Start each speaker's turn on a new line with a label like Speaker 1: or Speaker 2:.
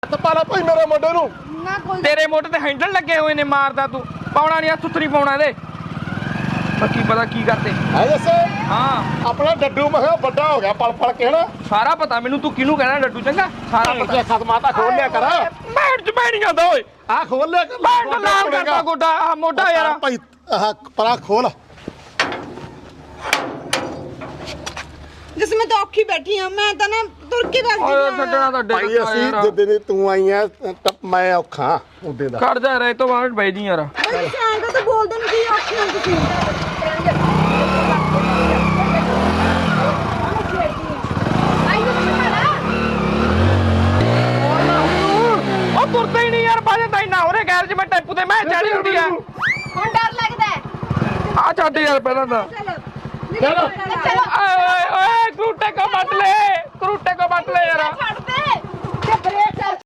Speaker 1: ਹੱਥ ਪਾ ਲੈ ਭਾਈ ਮੇਰੇ ਮੁੰਡੇ ਨੂੰ।
Speaker 2: ਨਾ ਕੋਈ
Speaker 3: ਤੇਰੇ ਮੋਢੇ ਤੇ ਹੈਂਡਲ ਲੱਗੇ ਹੋਏ ਨੇ ਮਾਰਦਾ ਤੂੰ ਪਾਉਣਾ ਨਹੀਂ ਸੁਥਰੀ ਪਾਉਣਾ ਇਹਦੇ ਬਾਕੀ ਪਤਾ ਕੀ ਕਰਦੇ
Speaker 1: ਹੈ ਜੱਸੇ
Speaker 3: ਹਾਂ
Speaker 1: ਆਪਣਾ ਡੱਡੂ ਮੈਂ ਕਿਹਾ ਵੱਡਾ ਹੋ ਗਿਆ ਪਲ ਕੇ ਨਾ
Speaker 3: ਸਾਰਾ ਪਤਾ ਮੈਨੂੰ ਤੂੰ ਕਿਹਨੂੰ ਕਹਿਣਾ ਡੱਡੂ ਚੰਗਾ ਸਾਰਾ ਪਤਾ
Speaker 1: ਖਤਮਾ ਤਾਂ ਖੋਲ ਲਿਆ ਕਰ
Speaker 3: ਮੈਟ ਚ ਮੈਂ ਨਹੀਂ ਜਾਂਦਾ ਓਏ
Speaker 1: ਆ ਖੋਲ ਲਿਆ ਕਰ
Speaker 3: ਮੈਟ ਲਾਲ ਕਰਦਾ ਗੋਡਾ ਆ ਮੋਢਾ ਯਾਰ
Speaker 1: ਭਾਈ ਆਹ ਪਰਾ ਖੋਲ
Speaker 2: ਜਿਸ ਮੈਂ ਤਾਂ ਔਖੀ ਬੈਠੀ ਆ ਮੈਂ ਤਾਂ ਨਾ ਤੁਰ ਕੇ ਵਗ
Speaker 3: ਓਏ
Speaker 2: ਗਈ
Speaker 3: ਛੱਡਣਾ ਤਾਂ
Speaker 1: ਭਾਈ
Speaker 3: ਡੇਕ
Speaker 1: ਅਸੀਂ ਜਿੱਦੇ ਨੇ ਤੂੰ ਆਈ ਆ ਮੈਂ ਔਖਾ ਉਹਦੇ ਦਾ
Speaker 3: ਕੱਢ ਜਾ ਰੇ ਤੋਂ ਬਾਅਦ ਬੈ ਜੀ ਯਾਰ
Speaker 2: ਓਏ ਸਾਂਗਾ ਤਾਂ ਬੋਲਦੇ ਨਹੀਂ ਕੀ ਔਖੀ ਹੋ ਤੁਸੀਂ
Speaker 3: ਉਹ ਤੁਰਦਾ ਹੀ ਨਹੀਂ ਯਾਰ ਬਾਜਦਾ ਹੀ ਨਾ ਉਹਦੇ ਗੈਰ ਚ ਮੈਂ ਟੈਂਪੂ ਤੇ ਮੈਂ ਚੜੀ ਹੁੰਦੀ ਆ
Speaker 2: ਹੁਣ ਡਰ ਲੱਗਦਾ
Speaker 3: ਆ ਛੱਡ ਯਾਰ ਪਹਿਲਾਂ ਤਾਂ
Speaker 2: ਚਲੋ
Speaker 3: ਓਏ ਓਏ ਕਰੂਟੇ ਕੋ ਬੱਟ ਲੈ ਯਾਰ
Speaker 2: ਛੱਡ ਦੇ ਤੇ ਬ੍ਰੇਕ